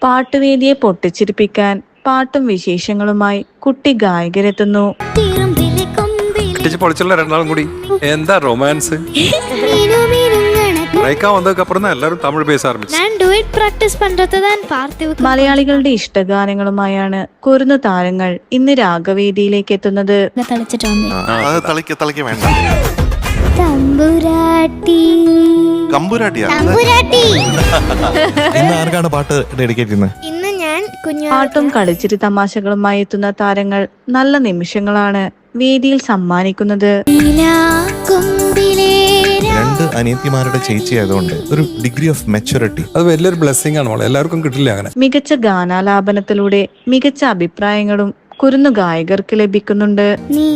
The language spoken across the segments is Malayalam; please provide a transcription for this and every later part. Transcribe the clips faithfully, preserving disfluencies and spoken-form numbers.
പാട്ടുവേദിയെ പൊട്ടിച്ചിരിപ്പിക്കാൻ പാട്ടും വിശേഷങ്ങളുമായി കുട്ടി ഗായകരെത്തുന്നു. പൊളിച്ചുള്ള രണ്ടാളും കൂടി എന്താ റൊമാൻസ് എല്ലാരും തമിഴ് പേസ മലയാളികളുടെ ഇഷ്ടഗാനങ്ങളുമായാണ് കുരുന്നു താരങ്ങൾ ഇന്ന് രാഗവേദിയിലേക്ക് എത്തുന്നത്. ഇന്ന് ഞാൻ പാട്ടും കളിച്ചിരി തമാശകളുമായി എത്തുന്ന താരങ്ങൾ നല്ല നിമിഷങ്ങളാണ് വേദിയിൽ സമ്മാനിക്കുന്നത്. രണ്ട് അനിയത്തിമാരുടെ ചേച്ചി ആയതുകൊണ്ട് ഒരു ഡിഗ്രി ഓഫ് മെച്യൂരിറ്റി, അത് വലിയൊരു ബ്ലെസ്സിംഗ് ആണ്. എല്ലാവർക്കും കിട്ടില്ല അങ്ങനെ. മികച്ച ഗാനാലാപനത്തിലൂടെ മികച്ച അഭിപ്രായങ്ങളും കുരുന്നു ഗായകർക്ക് ലഭിക്കുന്നുണ്ട്.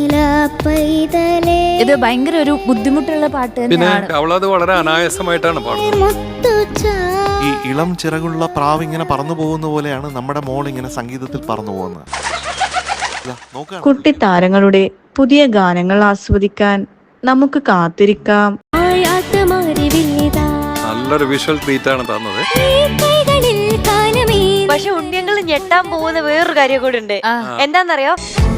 ഇത് ഭയങ്കര ഒരു ബുദ്ധിമുട്ടുള്ള പാട്ട് പിന്നെ അവളത് വളരെ അനായാസമായിട്ടാണ് പാടുന്നത്. ഈ ഇളം ചിറകുള്ള പ്രാവ് ഇങ്ങനെ പറന്നു പോകുന്ന പോലെയാണ് നമ്മുടെ മോൾ ഇങ്ങനെ സംഗീതത്തിൽ പറന്നു പോകുന്നത്. കുട്ടി താരങ്ങളുടെ പുതിയ ഗാനങ്ങൾ ആസ്വദിക്കാൻ നമുക്ക് കാത്തിരിക്കാം. നല്ലൊരു വിഷ്വൽ ട്രീറ്റ് ആണ് തന്നത്. പക്ഷെ ഉണ്ണിയങ്ങൾ ഞെട്ടാൻ പോകുന്ന വേറൊരു കാര്യം കൂടെ ഉണ്ട്. എന്താന്നറിയോ?